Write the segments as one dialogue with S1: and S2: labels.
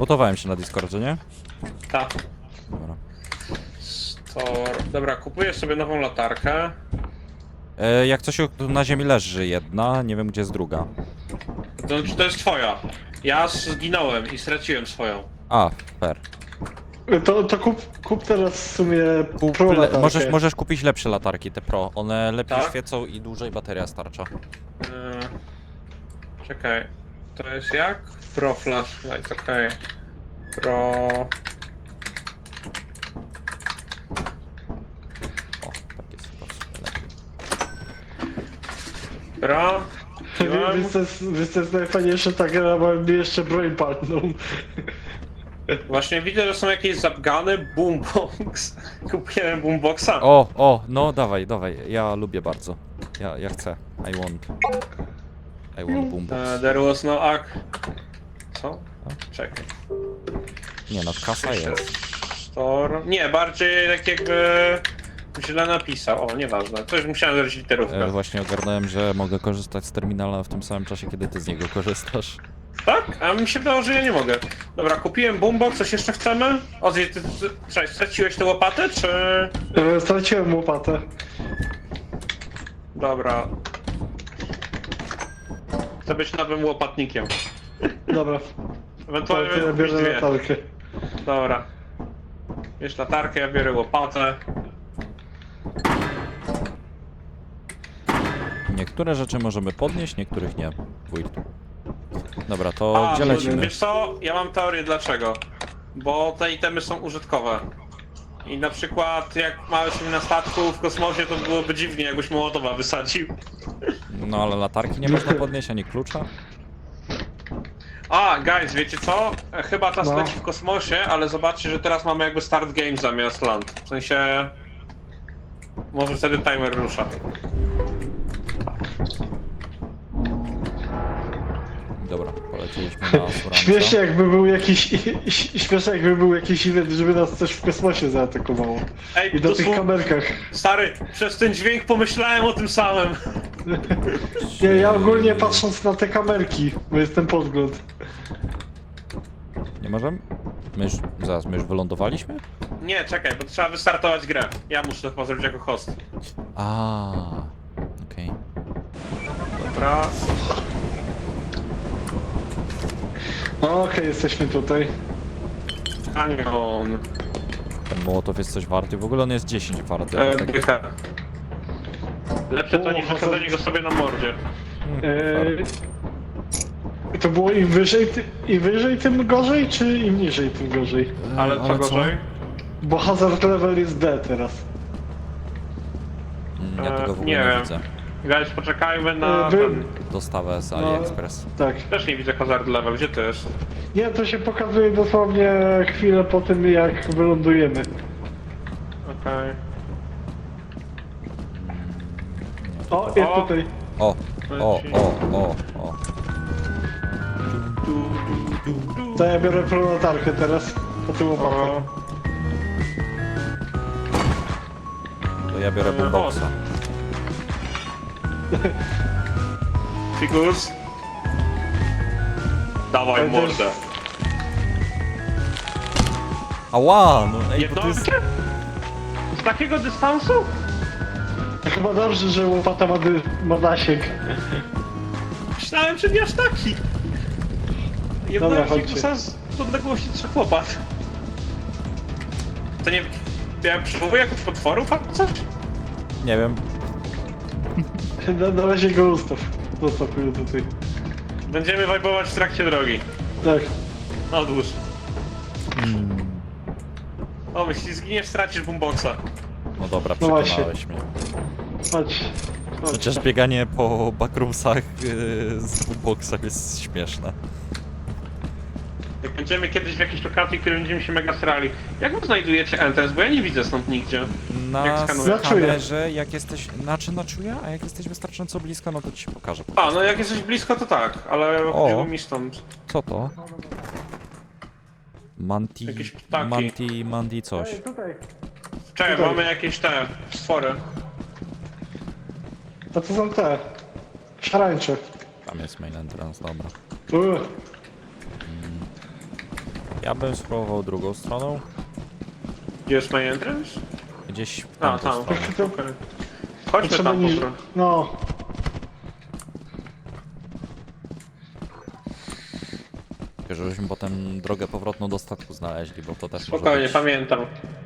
S1: Mutowałem się na Discordzie, nie?
S2: Tak.
S1: Dobra.
S2: Dobra, kupuję sobie nową latarkę.
S1: Jak coś tu na ziemi leży jedna, nie wiem gdzie jest druga.
S2: To jest twoja. Ja zginąłem i straciłem swoją.
S1: A, fair.
S3: To kup teraz w sumie pro latarkę.
S1: Możesz kupić lepsze latarki, te pro. One lepiej
S2: Tak?
S1: świecą i dłużej bateria starcza.
S2: Czekaj. To jest jak? Pro flashlight, okej. Pro...
S1: O, tak jest po prostu lepiej.
S2: Pro...
S3: Wiesz co jest najfajniejsze, ta gra ma mi jeszcze broń palną.
S2: Właśnie widzę, że są jakieś zapgany, boombox. Kupiłem boomboxa.
S1: No dawaj, ja lubię bardzo. Ja chcę. I want boombox.
S2: There was no ac... Co? Czekaj.
S1: Nie no, kasa jest.
S2: Store... Nie, bardziej tak jakby... źle napisał. O, nieważne. Coś musiałem zrobić literówkę.
S1: Właśnie ogarnąłem, że mogę korzystać z terminala w tym samym czasie, kiedy ty z niego korzystasz.
S2: Tak? A mi się wydało, że ja nie mogę. Dobra, kupiłem boombox, coś jeszcze chcemy? Cześć, straciłeś tę łopatę, czy...
S3: Straciłem łopatę.
S2: Dobra. Chcę być nowym łopatnikiem.
S3: Dobra,
S2: Ewentualnie
S3: to ja
S2: kupić
S3: biorę
S2: dwie.
S3: latarkę.
S2: Dobra. Bierz latarkę, ja biorę łopatę.
S1: Niektóre rzeczy możemy podnieść, niektórych nie. Wójt. Dobra, to gdzie
S2: no,
S1: lecimy?
S2: Wiesz co? Ja mam teorię dlaczego. Bo te itemy są użytkowe. I na przykład jak małeś na statku w kosmosie, to byłoby dziwnie, jakbyś Mołotowa wysadził.
S1: No ale latarki nie można podnieść, ani klucza.
S2: Guys, wiecie co? Chyba czas
S3: No.
S2: leci w kosmosie, ale zobaczcie, że teraz mamy jakby start game zamiast land. W sensie... Może wtedy timer rusza.
S1: Dobra, poleciliśmy na Suramca.
S3: Śmiesznie jakby był jakiś event, żeby nas coś w kosmosie zaatakowało.
S2: Ej,
S3: I do tych
S2: dosłownie-
S3: kamerkach.
S2: Stary, przez ten dźwięk pomyślałem o tym samym.
S3: Nie, ja ogólnie patrząc na te kamerki, bo jestem podgląd.
S1: Nie możemy? My już wylądowaliśmy?
S2: Nie, czekaj, bo trzeba wystartować grę. Ja muszę to chyba zrobić jako host.
S1: Okej.
S2: Dobra.
S3: No okej, jesteśmy tutaj.
S2: Anion.
S1: Ten Mołotow jest coś warty, w ogóle on jest 10 warty. ale tak...
S2: Dycha. Lepsze to niż wysadzenie go sobie na mordzie.
S3: To było im wyżej tym gorzej, czy im niżej tym gorzej?
S2: Ale co gorzej?
S3: Bo hazard level jest D teraz.
S1: Ja tego w ogóle
S2: nie
S1: nie
S2: wiem.
S1: widzę.
S2: Guys, poczekajmy na ten...
S1: Dostawę z
S3: No.
S1: AliExpress.
S3: Tak.
S2: Też nie widzę hazard level, gdzie to jest?
S3: Nie, to się pokazuje dosłownie chwilę po tym, jak wylądujemy.
S2: Okej.
S3: O, jest
S2: O.
S3: tutaj.
S1: O!
S3: To ja biorę prolatarkę teraz. Po tym łopatę.
S2: O,
S1: To ja biorę boomboxa.
S2: Figus. Dawaj
S3: Ale to jest-
S2: mordę.
S1: Ała! No ej, bo to jest...
S2: Jednostkę? Z takiego dystansu?
S3: Chyba dobrze, że łopata ma zasięg.
S2: Myślałem, że nie aż taki.
S3: Dobra,
S2: Jednałem
S3: chodźcie.
S2: Figusa z odległości 3 łopat. To nie... Ja przywołuję jakichś potworów albo coś?
S1: Nie wiem.
S3: Na razie go ustaw. Zostawię tutaj.
S2: Będziemy wajbować w trakcie drogi.
S3: Tak.
S2: Odłóż. O, jeśli zginiesz, stracisz boomboxa.
S1: No dobra,
S3: No właśnie.
S1: przekonałeś mnie.
S3: Chodź.
S1: Chociaż bieganie po backroomsach z boomboxem jest śmieszne.
S2: Jak będziemy kiedyś w jakiejś lokacji, w której będziemy się mega srali. Jak wy znajdujecie entrance? Bo ja nie widzę stąd nigdzie. Jak
S1: Na
S2: skanuję?
S3: Na czuję.
S1: kamerze, jak jesteś... Znaczy na czuja, a jak jesteś wystarczająco blisko, no to ci się pokażę.
S2: A, no jak jesteś blisko, to tak, ale chodziło mi stąd.
S1: Co to? Manti...
S2: Jakieś ptaki.
S1: Manti coś.
S3: Tutaj.
S2: Czekaj,
S3: Tutaj.
S2: mamy jakieś te stwory.
S3: A to są te. Szarańcze.
S1: Tam jest main entrance, dobra. Ja bym spróbował drugą stroną.
S2: Gdzie jest main entrance?
S1: Gdzieś w
S2: A,
S1: tamtą
S2: tam.
S1: stronę.
S2: Okej. Chodźmy
S3: Trzeba
S2: tam po
S3: niż...
S2: prostu.
S3: No.
S1: Tylko żebyśmy potem drogę powrotną do statku znaleźli, bo to też może
S2: Spokojnie,
S1: być...
S2: pamiętam.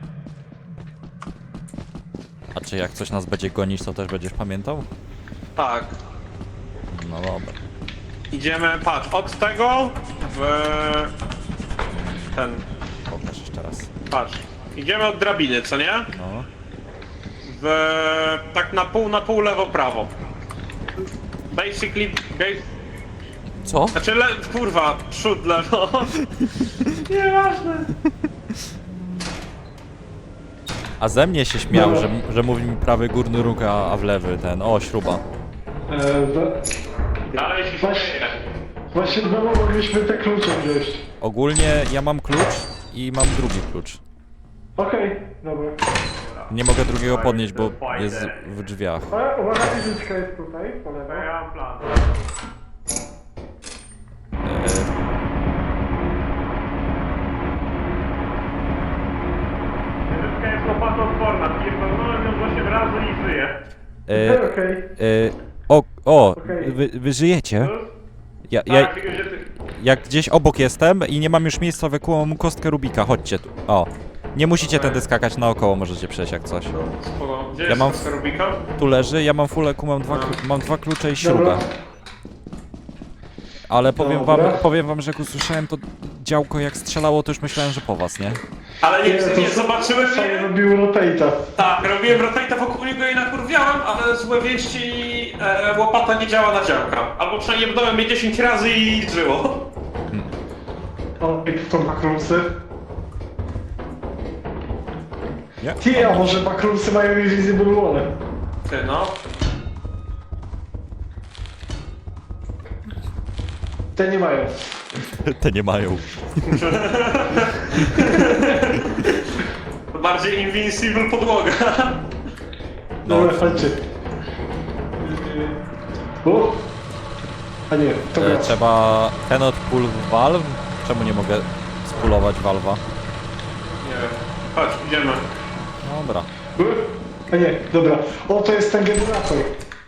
S1: A czy jak coś nas będzie gonić, to też będziesz pamiętał?
S2: Tak.
S1: No dobra.
S2: Idziemy, patrz, od tego w... ten...
S1: Pokaż jeszcze raz.
S2: Patrz. Idziemy od drabiny, co nie?
S1: No.
S2: W... tak na pół lewo, prawo. Basically...
S1: Co?
S2: Znaczy, kurwa, przód, lewo. Nieważne.
S1: A ze mnie się śmiał,
S3: No.
S1: że mówi mi prawy górny róg, a w lewy ten... O, śruba.
S2: Dalej się
S3: Właśnie-
S2: śmieje.
S3: Właśnie znowu mogliśmy te klucze wziąć.
S1: Ogólnie ja mam klucz i mam drugi klucz.
S3: Okej, dobra.
S1: Nie mogę drugiego podnieść, bo jest w drzwiach.
S3: Ale uwaga, fizyczka jest tutaj, po lewo.
S2: Ja mam plan. Fizyczka jest łopatoodporna. Pierdolnąłem ją 8 razy i żyje.
S3: Okej.
S1: O, wy żyjecie?
S2: Tak, tylko że ty...
S1: Jak gdzieś obok jestem i nie mam już miejsca, wykułam mu kostkę Rubika, chodźcie tu. O. Nie musicie tędy skakać naokoło, możecie przejść jak coś.
S2: Spoko. Gdzie
S1: Ja
S2: jest
S1: mam-
S2: kostka Rubika?
S1: Tu leży, ja mam full EQ, mam dwa klucze i śrubę.
S3: Dobra.
S1: Ale powiem
S3: Dobra.
S1: wam, że jak usłyszałem to działko jak strzelało, to już myślałem, że po was, nie?
S2: Ale nie zobaczyłem
S3: Sam
S2: mnie.
S3: robił rotate'a.
S2: Tak, robiłem rotate'a wokół niego i nakurwiałem, ale złe wieści, łopata nie działa na działka. Albo przynajmniej bnąłem mnie 10 razy i żyło.
S3: O, jak to makrumsy.
S1: Nie?
S3: Ty, a może makrumsy mają invisible wall?
S2: Ty no.
S3: Te nie mają.
S1: Te nie mają.
S2: To bardziej invincible podłoga.
S1: No.
S3: Dobra, chodźcie. O! A nie, to gra.
S1: Trzeba cannot pull valve? Czemu nie mogę spulować valve'a?
S2: Nie wiem. Chodź, idziemy.
S1: Dobra.
S3: A nie, dobra. O, to jest ten generator.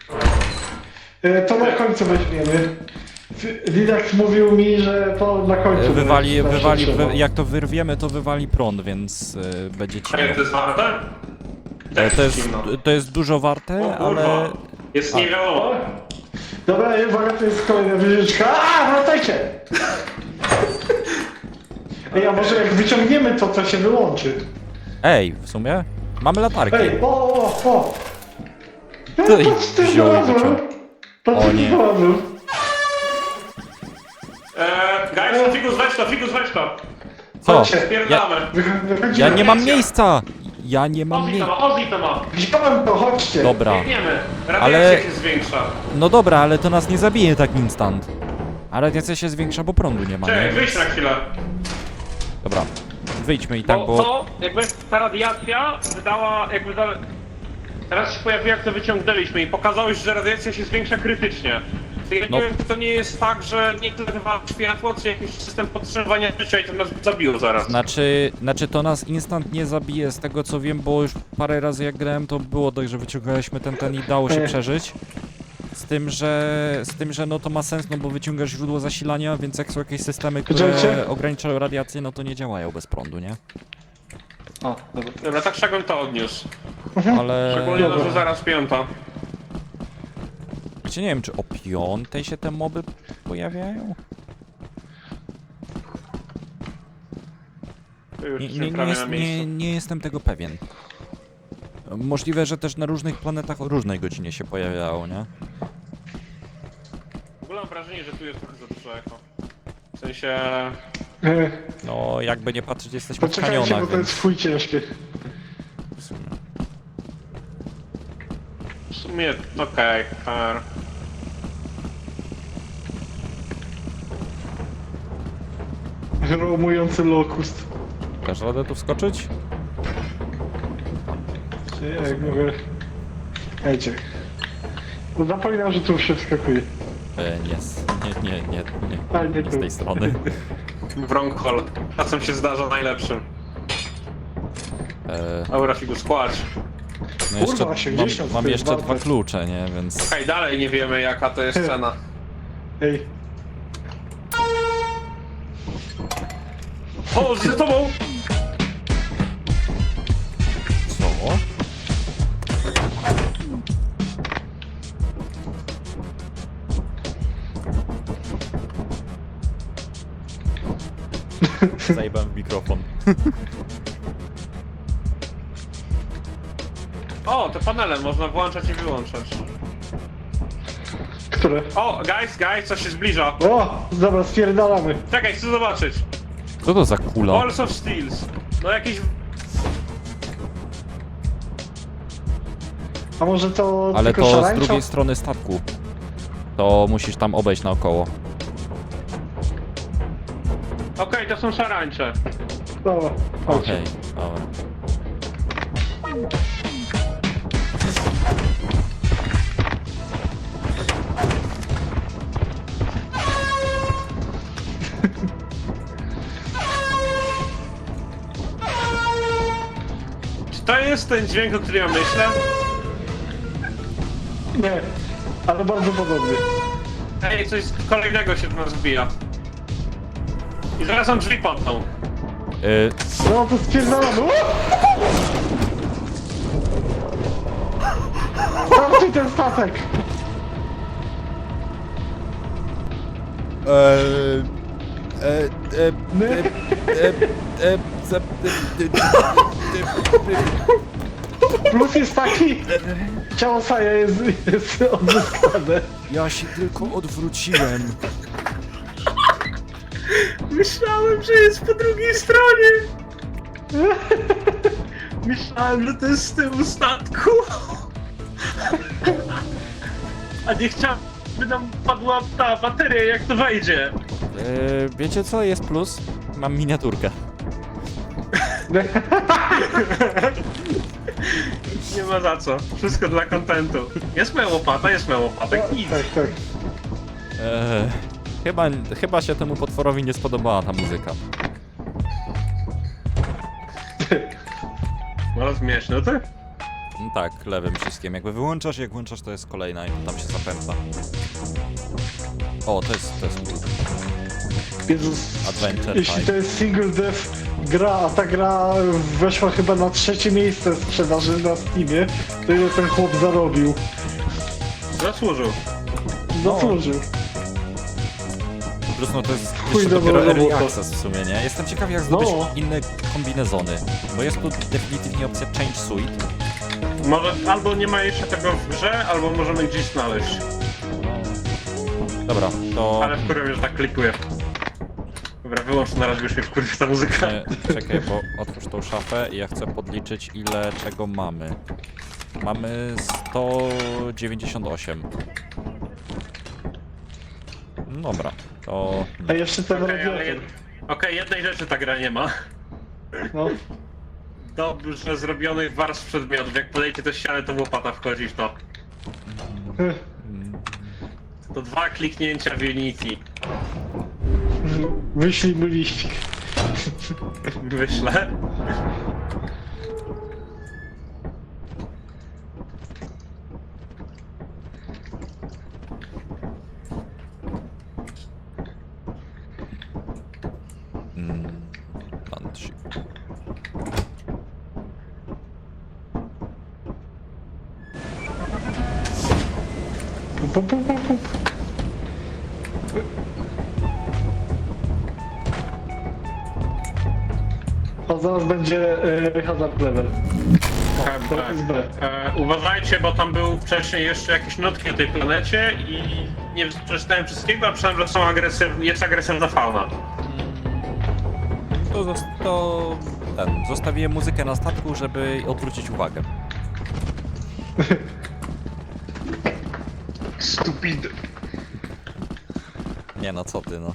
S3: To na końcu weźmiemy. Lidax mówił mi, że to na końcu. zawsze trzeba.
S1: Jak to wyrwiemy, to wywali prąd, więc będzie
S2: A jak
S1: cicho.
S2: to jest warte?
S1: To jest dużo warte,
S2: O kurwa.
S1: ale...
S2: Jest nie wiadomo.
S3: O! Dobra, i uwaga, to jest kolejna wyżyczka. A, wracajcie! Ej, a może jak wyciągniemy to, to się wyłączy.
S1: Ej, w sumie? Mamy latarki.
S3: Ej, o!
S1: To i wziął i wyciął. O nie.
S2: Guys, Figus weź to.
S1: Co?
S3: Chodźcie,
S1: Ja,
S2: Spierdamy.
S1: ja nie mam miejsca! Ja nie mam
S2: Ozzy to
S1: miejsca.
S2: ma, Ozzy to ma.
S3: Wziąłem to, chodźcie.
S1: Dobra.
S2: Biegniemy. Radiacja
S1: Ale-
S2: się zwiększa.
S1: No dobra, ale to nas nie zabije tak instant. A radiacja się zwiększa, bo prądu nie ma,
S2: Czekaj,
S1: nie?
S2: wyjdź na chwilę.
S1: Dobra. Wyjdźmy i tak,
S2: Bo
S1: bo...
S2: to, jakby ta radiacja wydała, teraz się pojawiło jak to wyciągnęliśmy i pokazałeś, że radiacja się zwiększa krytycznie. To ja
S1: No.
S2: nie wiem, czy to nie jest tak, że nie tyle wywala światło, czy jakiś system podtrzymywania życia i to nas zabiło zaraz.
S1: Znaczy to nas instant nie zabije, z tego co wiem, bo już parę razy jak grałem, to było tak, że wyciągaliśmy ten i dało się przeżyć. Z tym, że no to ma sens, no bo wyciągasz źródło zasilania, więc jak są jakieś systemy, które
S3: Widzicie?
S1: ograniczają radiację, no to nie działają bez prądu, nie?
S3: O, dobra.
S2: Dobra, tak Szagon to odniósł.
S1: Ale...
S2: Szczególnie,
S3: dobra.
S2: że zaraz piąta.
S1: Wiecie, nie wiem, czy o 5 się te moby pojawiają?
S2: To już
S1: Nie,
S2: jesteśmy
S1: nie,
S2: prawie na miejscu.
S1: nie jestem tego pewien. Możliwe, że też na różnych planetach o różnej godzinie się pojawiało, nie?
S2: W ogóle mam wrażenie, że tu jest trochę za dużo echo. W sensie...
S3: E,
S1: No, jakby nie patrzeć, jesteśmy w
S3: Poczekajcie, bo
S1: kanionach,
S3: to jest
S1: więc...
S3: chuj ciężkie.
S1: w sumie.
S2: W sumie, okej, fair.
S3: Romujący lokust.
S1: Dasz radę tu wskoczyć?
S3: Jak mówię. Ejcie. No zapominam, że tu się wskakuje.
S1: Nie, nie,
S3: Ale nie
S1: z
S3: tu.
S1: tej strony.
S2: Wrong-hole. Czasem się zdarza najlepszym. Dobra, Figus, płacz.
S1: No jeszcze,
S3: Kurwa, 80
S1: mam
S3: to
S1: jeszcze
S3: jest
S1: dwa
S3: warte.
S1: klucze, nie? Więc...
S2: Okej, dalej nie wiemy jaka to jest cena.
S3: Ej,
S2: O, z tobą!
S1: Co? Zajebałem w mikrofon.
S2: O, te panele można włączać i wyłączać.
S3: które?
S2: O, guys, coś się zbliża.
S3: O, dobra, spierdalamy.
S2: Czekaj, chcę zobaczyć.
S1: Co to za kula?
S2: Balls of Steels. No jakiś...
S3: A może to
S1: Ale
S3: tylko
S1: to z
S3: szarańcza?
S1: drugiej strony statku. To musisz tam obejść naokoło.
S2: Okej, to są szarańcze.
S3: Dobra, chodź.
S1: Okej, dobra.
S2: Czy to jest ten dźwięk, o którym ja myślę?
S3: Nie, ale bardzo podobny.
S2: Ej, coś kolejnego się do nas wbija. I zaraz nam drzwi padną.
S3: No to spierdalamy. Zobaczcie ten statek. My? Plus jest taki, ciało Saja jest odzyskane.
S1: Ja się tylko odwróciłem.
S2: Myślałem, że jest po drugiej stronie. Myślałem, że to jest z tyłu statku. A nie chciałem, by nam padła ta bateria, jak to wejdzie.
S1: Wiecie co jest plus? Mam miniaturkę.
S2: Nie ma za co. Wszystko dla kontentu. Jest moja łopata, nic.
S3: Tak, tak.
S1: Chyba się temu potworowi nie spodobała ta muzyka.
S2: No zmiesz, no ty?
S1: No tak, lewym wszystkim. Jakby wyłączasz, jak włączasz, to jest kolejna i tam się zapętla. O, to jest cool.
S3: Jezus,
S1: Adventure
S3: jeśli
S1: Time.
S3: to jest single death gra, a ta gra weszła chyba na 3. miejsce sprzedaży na Steamie, to ile ten chłop zarobił?
S2: Zasłużył.
S3: Zasłużył.
S1: Plus no to jest
S3: Chuj
S1: jeszcze
S3: dobra
S1: dopiero early
S3: robota.
S1: access w sumie, nie? Jestem ciekaw jak zdobyć
S3: No.
S1: inne kombinezony. Bo jest tu definitywnie opcja Change Suite.
S2: Może albo nie ma jeszcze tego w grze, albo możemy gdzieś znaleźć.
S1: Dobra, to...
S2: Ale wkurwia mnie, że tak klikuję. Dobra, wyłącz na razie, już mnie wkurwia ta muzyka.
S1: Czekaj, bo otwórz tą szafę i ja chcę podliczyć ile czego mamy. Mamy 198. Dobra, to...
S3: A jeszcze ten
S2: Okej, ale
S3: radiator.
S2: Okej, jednej rzeczy ta gra nie ma.
S3: No.
S2: Dobrze zrobionych warstw przedmiotów. Jak podejdzie do ściany, to łopata wchodzi w to. To 2 kliknięcia w Unity.
S3: Wyślij mu liścik.
S2: Wyślę.
S1: Landship.
S3: Pup, pup, pup, pup. A zaraz będzie hazard level. O, to jest B.
S2: Uważajcie, bo tam był wcześniej jeszcze jakieś notki o tej planecie i nie przeczytałem wszystkiego, a myślałem, że są jest agresywna fauna.
S1: Zostawiłem muzykę na statku, żeby odwrócić uwagę.
S2: Stupid.
S1: Nie no, co ty no.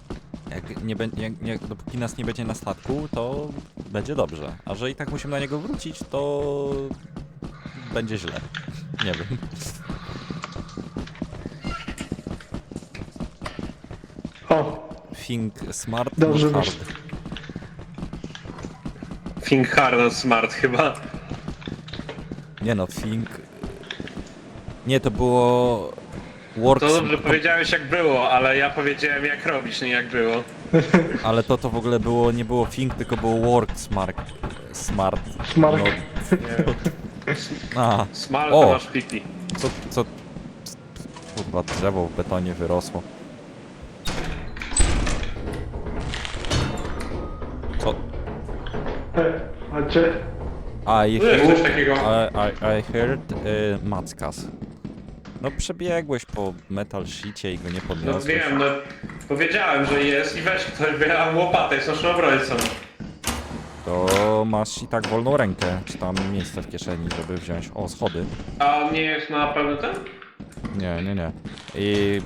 S1: Dopóki nas nie będzie na statku, to będzie dobrze. A że i tak musimy na niego wrócić, to będzie źle. Nie wiem.
S3: O,
S1: think smart,
S3: Dobrze,
S1: not
S3: masz.
S1: hard.
S2: Think hard, not smart chyba.
S1: Nie no, think... Nie, to było... Work
S2: To dobrze powiedziałeś jak było, ale ja powiedziałem jak robić, nie jak było.
S1: Ale to w ogóle było, nie było think, tylko było work smart. Smart.
S3: Smart.
S1: No, a,
S2: Smart
S1: O!
S2: to masz pipi.
S1: co... Kurwa, drzewo w betonie wyrosło. Co?
S3: Chodźcie.
S1: I
S2: Jest
S1: heard...
S2: coś takiego.
S1: I heard... Mackas. No przebiegłeś po metal sheetie i go nie
S2: No
S1: podniosłeś.
S2: wiem, no powiedziałem, że jest i weź ktoś, bo ja mam łopatę, jest naszym obrońcą.
S1: To masz i tak wolną rękę, czy tam miejsce w kieszeni, żeby wziąć... O, schody.
S2: A on nie jest na pewno ten?
S1: Nie. I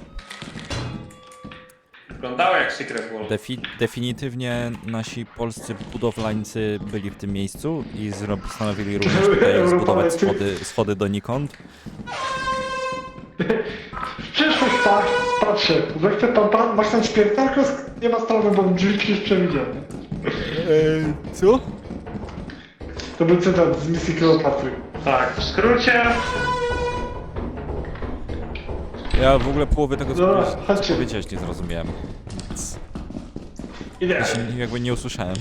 S2: Wyglądało jak Secret World.
S1: definitywnie nasi polscy budowlańcy byli w tym miejscu i postanowili również tutaj zbudować schody donikąd.
S3: Przyszłość patrzę. Zechce pan, masz ten śpiertarkę? Nie ma sprawy, bo drzwi jest przewidziane.
S1: Co?
S3: To był cytat z misji Kleopatry.
S2: Tak, w skrócie.
S1: Ja w ogóle połowy tego
S3: Dobra,
S1: co
S3: chodźcie.
S1: powiedziałeś nie zrozumiałem. Nic.
S3: Idę.
S1: Jakby nie usłyszałem.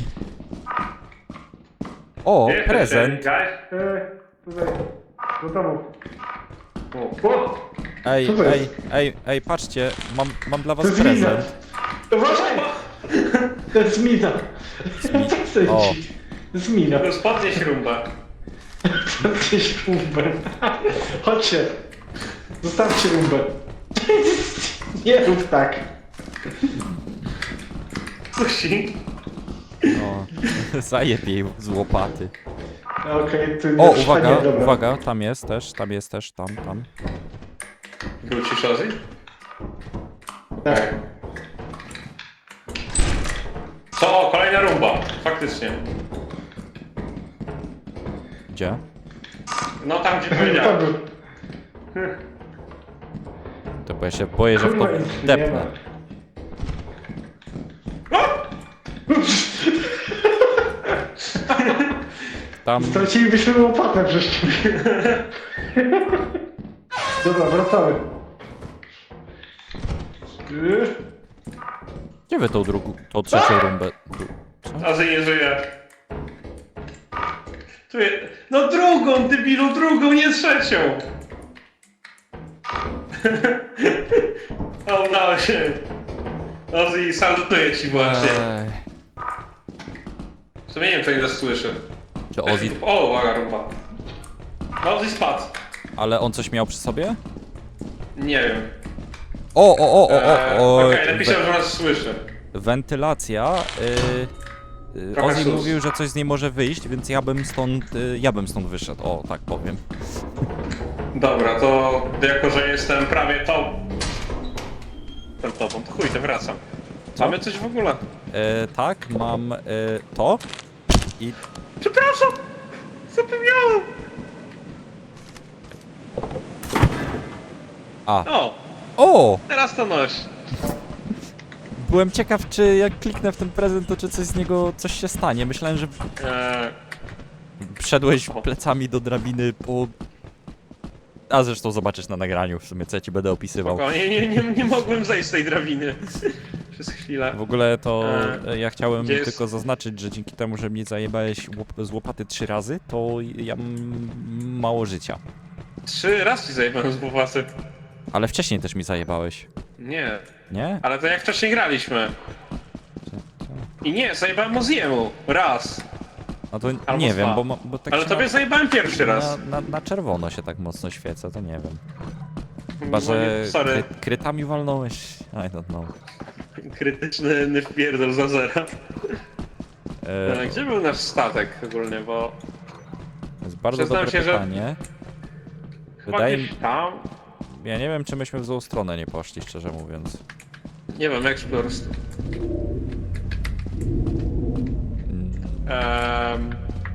S1: O,
S2: Gdzie
S1: prezent!
S2: jesteście,
S3: Tutaj. Do domu.
S2: guys?
S3: O!
S1: Ej,
S3: Co to jest?
S1: ej, patrzcie, mam dla
S3: To
S1: was
S3: jest mina!
S1: prezent.
S3: Uważaj! To jest mina!
S1: mi-
S3: Co chcesz
S1: o.
S3: ci? To jest mina.
S2: Już podnieś rumbę.
S3: Podnieś rumbę. Chodźcie. Zostawcie rumbę. Nie rób tak.
S2: Kusi.
S1: No, zajeb jej z łopaty.
S3: Okej, tu
S1: O,
S3: nie
S1: uwaga,
S3: dobra.
S1: uwaga, tam jest też, tam.
S2: Wrócisz, Ozzy?
S3: Tak.
S2: Co? Kolejna rumba. Faktycznie.
S1: Gdzie?
S2: No tam gdzie powiedziałem.
S3: Tam.
S1: To bo ja się boję, że w to
S3: Kurwa, nic nie
S1: depnę. Tam...
S3: Stracilibyśmy łopatę przez ciebie. Dobra, wracamy.
S1: Gdzie wy tą trzecią rumbę?
S2: Ozzy nie żyje. Tu jest... No drugą, debilu, drugą, nie trzecią. O, udało się. Ozzy, salutuję ci właśnie. W sumie nie wiem, czy nie nas słyszy.
S1: Czy Ozzy...
S2: O, uwaga, rumba. No, Ozzy spadł.
S1: Ale on coś miał przy sobie?
S2: Nie wiem.
S1: O,
S2: Okej, napisał, że nas słyszy.
S1: wentylacja.
S2: Trochę
S1: Ozzy
S2: sus.
S1: mówił, że coś z niej może wyjść, więc ja bym stąd wyszedł. O, tak powiem.
S2: Dobra, to jako, że jestem prawie tobą, to chuj, to wracam.
S1: Co?
S2: Mamy coś w ogóle?
S1: Tak, mam to i
S2: Przepraszam! Zapomniałem! O!
S1: O!
S2: Teraz to noś.
S1: Byłem ciekaw, czy jak kliknę w ten prezent, to czy coś z niego, coś się stanie. Myślałem, że wszedłeś plecami do drabiny po... A zresztą zobaczysz na nagraniu w sumie, co ja ci będę opisywał.
S2: Nie mogłem zejść z tej drabiny. Przez chwilę.
S1: W ogóle to ja chciałem
S2: gdzie jest-
S1: tylko zaznaczyć, że dzięki temu, że mnie zajebałeś z łopaty 3 razy, to ja mam mało życia.
S2: 3 razy ci zajebałem z bufasy.
S1: Ale wcześniej też mi zajebałeś,
S2: Nie,
S1: nie?
S2: ale to jak wcześniej graliśmy. I nie, zajebałem Moziemu. Raz.
S1: No to
S2: Albo
S1: nie wiem,
S2: dwa.
S1: bo tak
S2: Ale
S1: się
S2: tobie zajebałem pierwszy raz.
S1: na czerwono się tak mocno świecę, to nie wiem. Chyba,
S2: No
S1: że
S2: nie, sorry.
S1: krytami walnąłeś, I don't know.
S2: Krytyczny wpierdol za zera.
S1: E,
S2: Gdzie był nasz statek ogólnie, bo...
S1: to jest bardzo
S2: przyznam
S1: dobre
S2: się, że-
S1: pytanie.
S2: Chyba
S1: Wydaje mi...
S2: gdzieś tam?
S1: Ja nie wiem, czy myśmy w złą stronę nie poszli, szczerze mówiąc.
S2: Nie wiem, Explorers.
S1: Mm,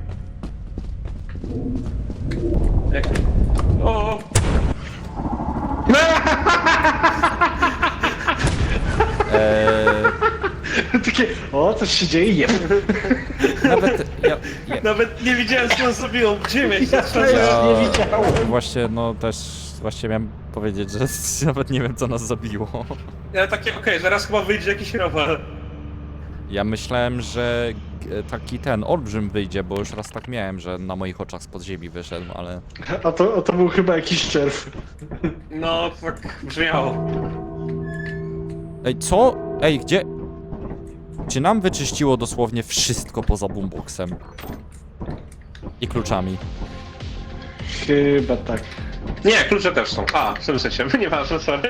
S2: Jak... O!
S3: takie, o, coś się dzieje, nie wiem.
S1: Nawet ja
S2: Nawet nie widziałem, co on zrobił. Ziemię się
S3: Ja też nie widziałem.
S1: właśnie, no też właśnie miałem powiedzieć, że nawet nie wiem co nas zabiło.
S2: Ja takie, okej, zaraz chyba wyjdzie jakiś rower.
S1: Ja myślałem, że taki ten olbrzym wyjdzie, bo już raz tak miałem, że na moich oczach z podziemi wyszedł, ale...
S3: A to był chyba jakiś czerw.
S2: No, tak brzmiało.
S1: Ej, co? Ej, gdzie? Czy nam wyczyściło dosłownie wszystko poza boomboxem? I kluczami.
S3: Chyba tak.
S2: Nie, klucze też są. A, w tym sensie, nieważne, sorry.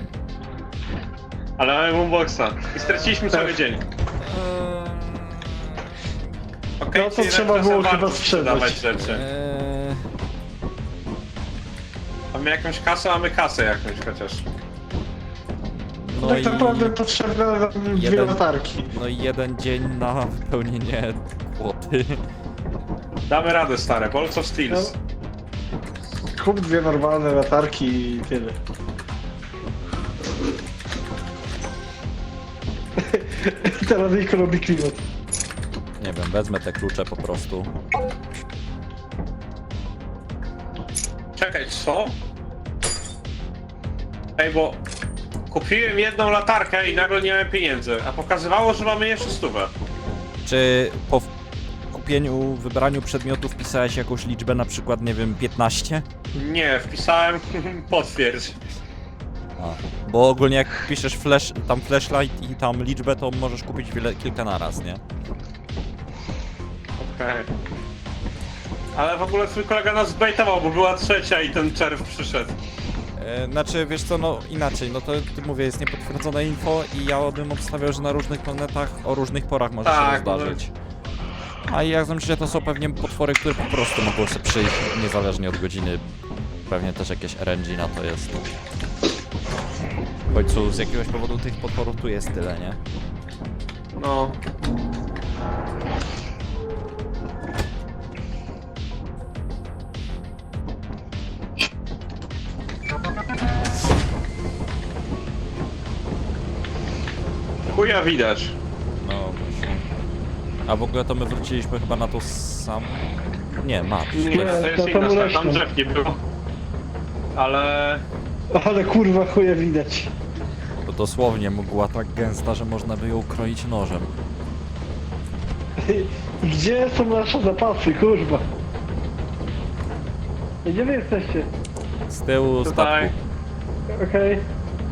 S2: Ale mamy boomboxa. I straciliśmy cały dzień. Okej,
S3: No to
S2: czyli
S3: trzeba
S2: czasem
S3: było
S2: warto
S3: chyba sprzedać.
S2: sprzedawać rzeczy. Mamy jakąś kasę, mamy kasę jakąś chociaż.
S1: No
S3: Tak
S1: i...
S3: naprawdę potrzebne nam dwie
S1: jeden-
S3: latarki.
S1: No i jeden dzień na wypełnienie płoty.
S2: Damy radę, stare. Balls of Steels.
S3: Kup dwie normalne latarki i tyle. I teraz Niko robi klimat.
S1: Nie wiem, wezmę te klucze po prostu.
S2: Czekaj, co? Ej, bo kupiłem jedną latarkę i nagle nie miałem pieniędzy, a pokazywało, że mamy jeszcze 100.
S1: Czy po kupieniu, wybraniu przedmiotów pisałeś jakąś liczbę, na przykład, nie wiem, 15?
S2: Nie, wpisałem potwierdź.
S1: A. Bo ogólnie jak piszesz tam flashlight i tam liczbę, to możesz kupić kilka naraz, nie?
S2: Okej. Ale w ogóle twój kolega nas zbejtował, bo była trzecia i ten czerw przyszedł.
S1: Znaczy, wiesz co, no inaczej, no to mówię, jest niepotwierdzone info i ja bym obstawiał, że na różnych planetach o różnych porach może
S2: Tak,
S1: się zdarzyć. A jak znam, że to są pewnie potwory, które po prostu mogą sobie przyjść niezależnie od godziny. Pewnie też jakieś RNG na to jest. W końcu z jakiegoś powodu tych potworów tu jest tyle, nie?
S2: No. Chuja widać.
S1: No właśnie. A w ogóle to my wróciliśmy chyba na to sam... Nie, map.
S2: Nie, to jest
S3: to
S2: inna
S3: tam
S2: strona, tam
S3: leśne.
S2: drzew nie było. Ale...
S3: Ale kurwa chuja widać.
S1: To dosłownie mgła tak gęsta, że można by ją kroić nożem.
S3: Gdzie są nasze zapasy, kurwa? Gdzie wy jesteście?
S1: Z tyłu
S2: Tutaj.
S1: statku.
S3: Okej.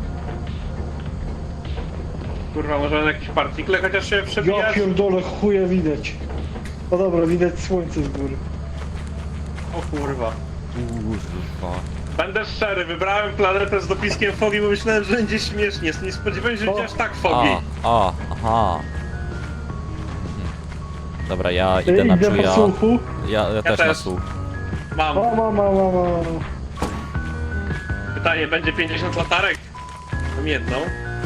S2: Kurwa, może jakieś partikle chociaż się
S3: Ja
S2: przebijać?
S3: pierdolę, chuja widać. No dobra, widać słońce z góry.
S2: O kurwa.
S1: Kurwa.
S2: Będę szczery, wybrałem planetę z dopiskiem fogi, bo myślałem, że będzie śmiesznie. Nie spodziewałem się, że będzie aż tak fogi.
S1: Aha. Dobra, ja idę na
S3: Idę po
S1: czuja.
S3: słuchu.
S1: Ja też na
S2: też.
S1: słuch.
S2: Mam.
S3: Mama.
S2: Pytanie, będzie 50 latarek? Mam jedną.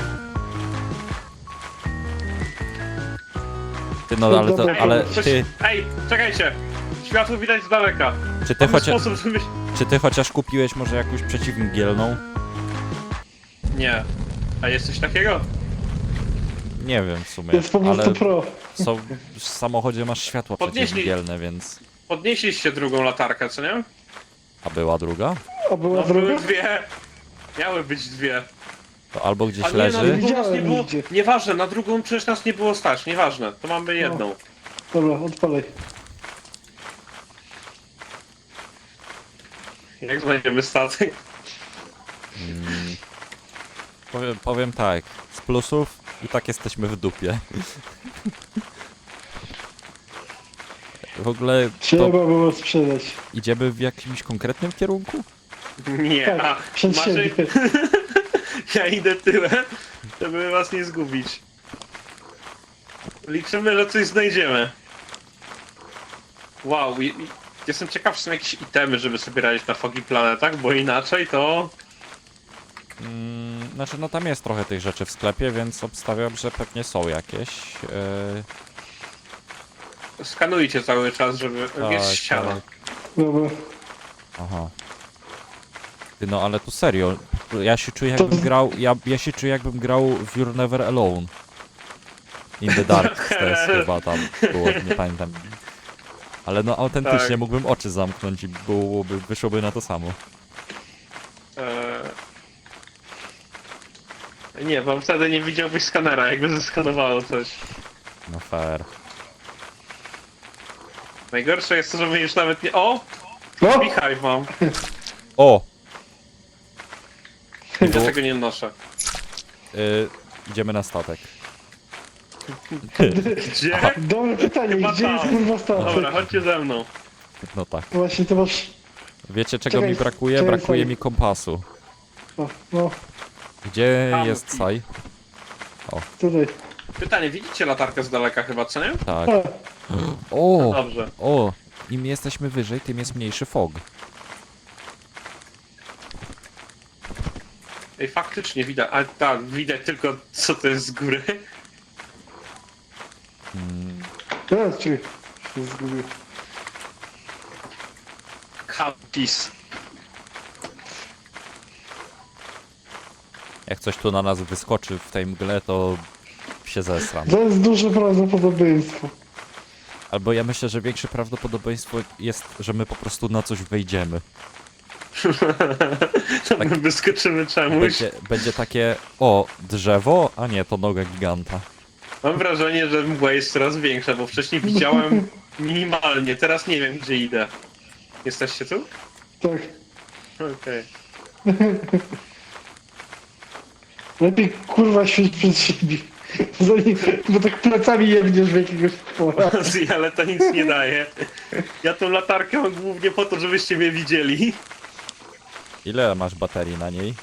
S1: Ty no, ale to,
S3: Dobra,
S1: ale
S2: Coś...
S1: ty,
S2: Ej, czekajcie! Światło widać z daleka.
S1: czy ty,
S2: Mamy sposób, żeby...
S1: czy ty chociaż kupiłeś może jakąś przeciwmgielną?
S2: Nie. A jest coś takiego?
S1: Nie wiem w sumie,
S3: Jest po prostu
S1: ale
S3: pro.
S1: w samochodzie masz światła
S2: Podnieśli-
S1: przeciwmgielne, więc...
S2: Podnieśliście drugą latarkę, co nie?
S1: A była druga?
S3: A była
S2: No
S3: druga?
S2: były dwie. Miały być dwie.
S1: To albo gdzieś
S2: A nie, na
S1: leży.
S2: drugą nas nie
S3: Widziałem
S2: było...
S3: nigdzie.
S2: Nieważne, na drugą przecież nas nie było stać, nieważne. To mamy jedną.
S3: Dobra, odpalaj.
S2: Jak znajdziemy statek?
S1: Powiem tak, z plusów i tak jesteśmy w dupie. W ogóle
S3: Trzeba
S1: to
S3: było sprzedać.
S1: idziemy w jakimś konkretnym kierunku?
S2: Nie,
S3: Tak, przed siebie.
S2: Ja idę tyłem, żeby was nie zgubić. Liczymy, że coś znajdziemy. Wow, jestem ciekaw, czy są jakieś itemy, żeby sobie radzić na Foggy Planetach, bo inaczej to...
S1: Znaczy, no tam jest trochę tych rzeczy w sklepie, więc obstawiam, że pewnie są jakieś.
S2: Skanujcie cały czas, żeby... jest ściana.
S1: tak.
S3: Dobra.
S1: Aha. Ty, no ale tu serio, ja się czuję
S3: To-
S1: jakbym grał, ja się czuję jakbym grał w You're Never Alone. In the Dark też chyba tam było, nie pamiętam. Ale no autentycznie
S2: Tak.
S1: mógłbym oczy zamknąć i wyszłoby na to samo.
S2: Nie, bo wtedy nie widziałbyś skanera, jakby zeskanowało coś.
S1: No fair.
S2: Najgorsze jest to, że my już nawet nie... O!
S3: No!
S2: Beehive mam.
S1: O!
S2: Ja tego nie noszę.
S1: Idziemy na statek.
S2: Gdzie?
S3: Dobre pytanie,
S2: Chyba
S3: gdzie jest
S2: tam.
S3: kurwa statek?
S2: Dobra, chodźcie ze mną.
S1: No tak.
S3: Właśnie to masz...
S1: Wiecie czego
S3: Czekaj,
S1: mi brakuje?
S3: czekaj,
S1: Brakuje
S3: sorry.
S1: mi kompasu.
S3: O, no,
S1: Gdzie
S2: Tam,
S1: jest
S2: i-
S1: Sai?
S3: tutaj.
S2: Pytanie, widzicie latarkę z daleka chyba, co nie?
S1: Tak.
S3: A,
S1: O!
S2: Dobrze.
S1: O! Im jesteśmy wyżej, tym jest mniejszy fog.
S2: Ej, faktycznie widać, ale tak, widać tylko co to jest z góry.
S3: teraz czy... się zgubił.
S2: Kapis.
S1: Jak coś tu na nas wyskoczy w tej mgle, to się zesram.
S3: To jest duże prawdopodobieństwo.
S1: Albo ja myślę, że większe prawdopodobieństwo jest, że my po prostu na coś wejdziemy.
S2: To my wyskoczymy czemuś.
S1: Będzie takie, o, drzewo, a nie, to noga giganta.
S2: Mam wrażenie, że mgła jest coraz większa, bo wcześniej widziałem minimalnie, teraz nie wiem gdzie idę. Jesteście tu?
S3: Tak.
S2: Okej.
S3: Lepiej kurwa świeć przed siebie. Zanim, bo tak plecami jebniesz w jakiegoś pora.
S2: Ale to nic nie daje. Ja tą latarkę mam głównie po to, żebyście mnie widzieli.
S1: Ile masz baterii na niej?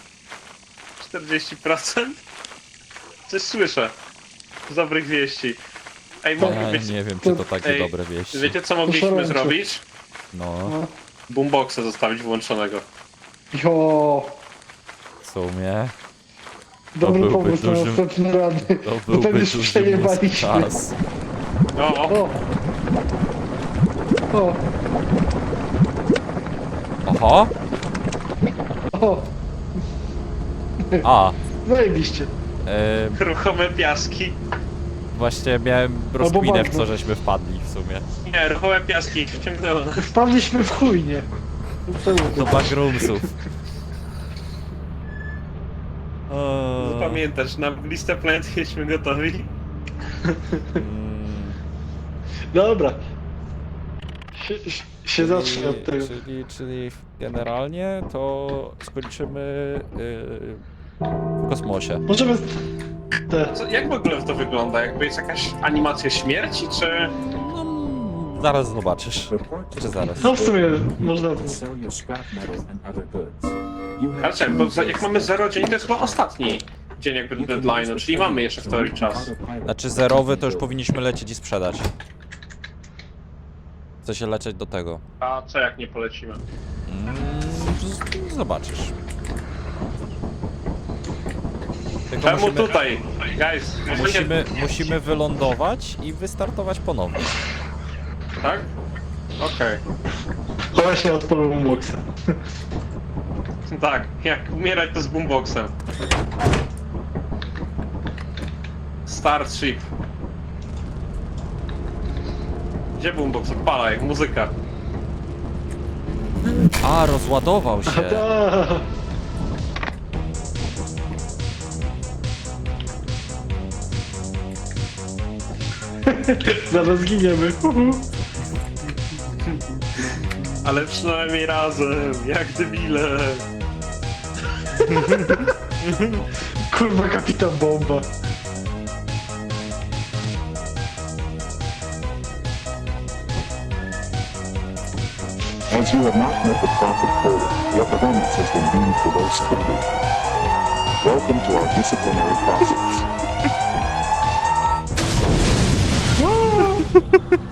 S2: 40%? Coś słyszę. Z dobrych wieści. Ej,
S1: Ja
S2: mogę być...
S1: nie wiem, czy to takie
S2: Ej,
S1: dobre wieści.
S2: Wiecie co mogliśmy
S3: Poszalejcie.
S2: zrobić?
S1: No,
S3: No.
S2: Boomboxa zostawić włączonego.
S3: Jo,
S1: w sumie,
S3: dobry
S1: byłby
S3: pomysł na
S1: duży-
S3: następny rady.
S1: to
S3: Bo
S1: byłby
S3: ten już
S1: duży mózg
S3: przejebaliśmy.
S1: czas.
S2: O,
S3: O! O!
S1: Oho!
S3: O!
S1: A,
S3: Zajebiście.
S2: ruchome piaski.
S1: właśnie miałem rozkminę, w
S3: bagno.
S1: co żeśmy wpadli w sumie.
S2: Nie, ruchome piaski wciągnęło nas.
S3: Wpadliśmy w chuj, nie?
S1: Do backroomsów.
S2: Pamiętasz, na listę planet jesteśmy gotowi.
S1: Mm,
S3: Dobra. Się zacznie od tego.
S1: czyli generalnie to skończymy w kosmosie.
S3: Możemy... Te.
S2: Co, jak w ogóle to wygląda? Jakby jest jakaś animacja śmierci, czy...
S1: No, zaraz zobaczysz. Czy zaraz?
S3: No w sumie można...
S4: Sell your scrap metal and other goods. You have
S2: Ale czekaj, bo jak mamy 0 dzień, to jest chyba ostatni dzień jakby deadline'u, czyli mamy jeszcze w teorii czas.
S1: Znaczy zerowy to już powinniśmy lecieć i sprzedać. Chcę się lecieć do tego.
S2: A co jak nie polecimy?
S1: Zobaczysz. Tylko
S2: Czemu tutaj? Guys,
S1: musimy wylądować i wystartować ponownie.
S2: Tak? Okej.
S3: Właśnie odpalę boxa.
S2: Tak, jak umierać to z boomboxem. Starship. Gdzie boombox? Odpala jak muzyka.
S1: A, rozładował się.
S3: Ta. Zaraz giniemy.
S2: Ale przynajmniej razem, jak debile.
S3: Kurwa, kapitan bomba.
S4: As you have not met the profit quota, your performance has been deemed below standard. Welcome to our disciplinary process.